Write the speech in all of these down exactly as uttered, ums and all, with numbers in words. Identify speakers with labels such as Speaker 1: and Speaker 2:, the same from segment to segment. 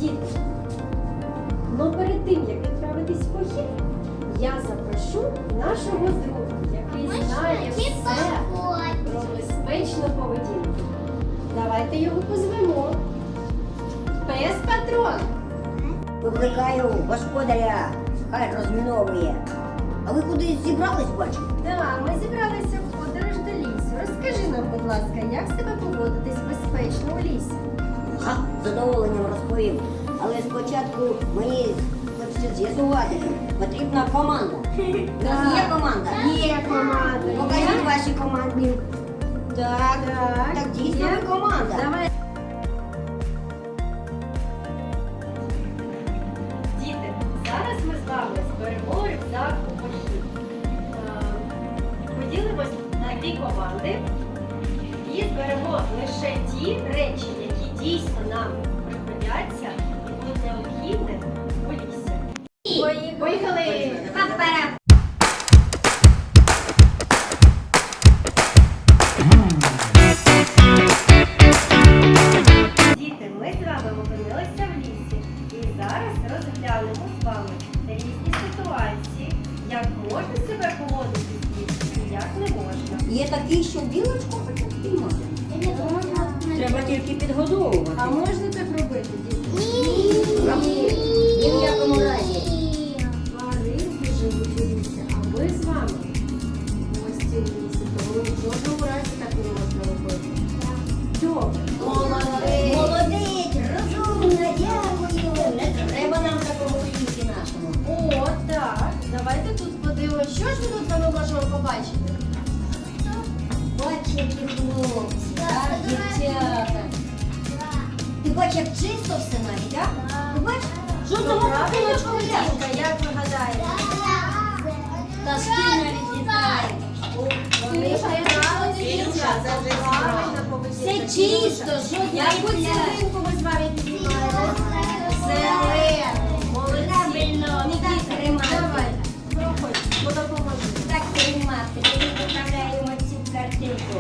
Speaker 1: Діти, ну перед тим, як відправитись в похід, я запрошу нашого друга, який знає все про безпечну поведінку. Давайте його позвемо. Пес Патрон.
Speaker 2: Викликаю господаря, хай розміновує. А ви кудись зібрались, бачу?
Speaker 1: Так, ми зібралися в подорож до лісу. Розкажи нам, будь ласка, як себе поводитись безпечно у лісі?
Speaker 2: Ха, з задоволенням розповім. Але спочатку мені хочеться з'ясувати, потрібна команда. У нас є команда?
Speaker 1: Є команда.
Speaker 2: Покажіть ваші команди. Так,
Speaker 1: Так,
Speaker 2: так дійсно
Speaker 1: є.
Speaker 2: ви команда.
Speaker 1: Давай. Діти, зараз ми з вами зберемо рюкзак у похід. Е, Поділимось на дві команди і зберемо лише ті речі, які дійсно нам пригодяться і будуть необхідні у лісі. Поїхали! Поїхали! Вперед! Діти, ми з вами опинилися в лісі і зараз розглянемо з вами різні ситуації, як можна себе поводити в лісі і як не можна.
Speaker 2: Є такий, що білочку хочуть піймати. Треба тільки підгодовувати.
Speaker 1: А можна так робити, діти?
Speaker 2: Ні. Ні в якому разі.
Speaker 1: Тваринки живуть у лісі, а ми з вами гості в лісі, тому в жодному разі так не можна робити. Добре.
Speaker 2: Молодець. Молодець, розумна, дякую. Не треба нам такого в лісі нашому.
Speaker 1: О, так. Давайте тут подивимося, що ж ми тут з вами можемо побачити.
Speaker 2: Бач, які хлопці, так, дівчата. Ти бач, як чисто все навіть, так? Ти бач, жодного купиночку не
Speaker 1: Дівчинка, як ви гадаєте?
Speaker 2: Та шкільно відлітає.
Speaker 1: Вони правильно, дівчата, правильно
Speaker 2: Все
Speaker 1: поведінка.
Speaker 2: чисто, жодної
Speaker 1: Яку
Speaker 2: пляшки.
Speaker 1: цілинку ми з вами піднімаємо?
Speaker 2: Зелену.
Speaker 1: Молодці.
Speaker 2: Правильно,
Speaker 1: Нікіта,
Speaker 2: тримати.
Speaker 1: давай, проходь, допоможи.
Speaker 2: Так тримати, тоді поправляємо цю картинку.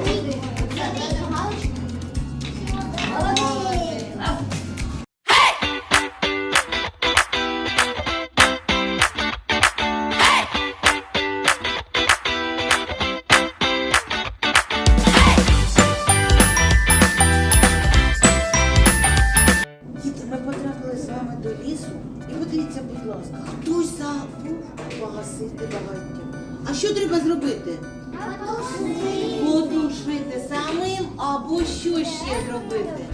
Speaker 2: Молодець.
Speaker 3: Діти, ми потрапили з вами до лісу і подивіться, будь ласка, хтось забув погасити багаття. А що треба зробити? Потушити самим або що ще зробити?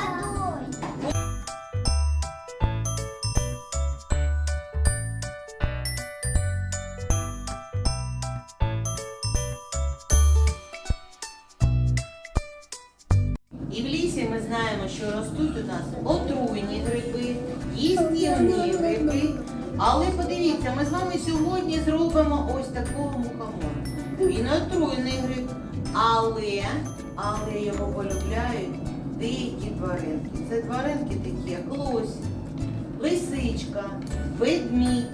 Speaker 3: І в лісі ми знаємо, що ростуть у нас отруйні гриби, їстівні гриби. Але подивіться, ми з вами сьогодні зробимо ось такого мухомора. Він отруйний гриб, але, але його полюбляють деякі тваринки. Це тваринки такі, як лось, лисичка, ведмідь,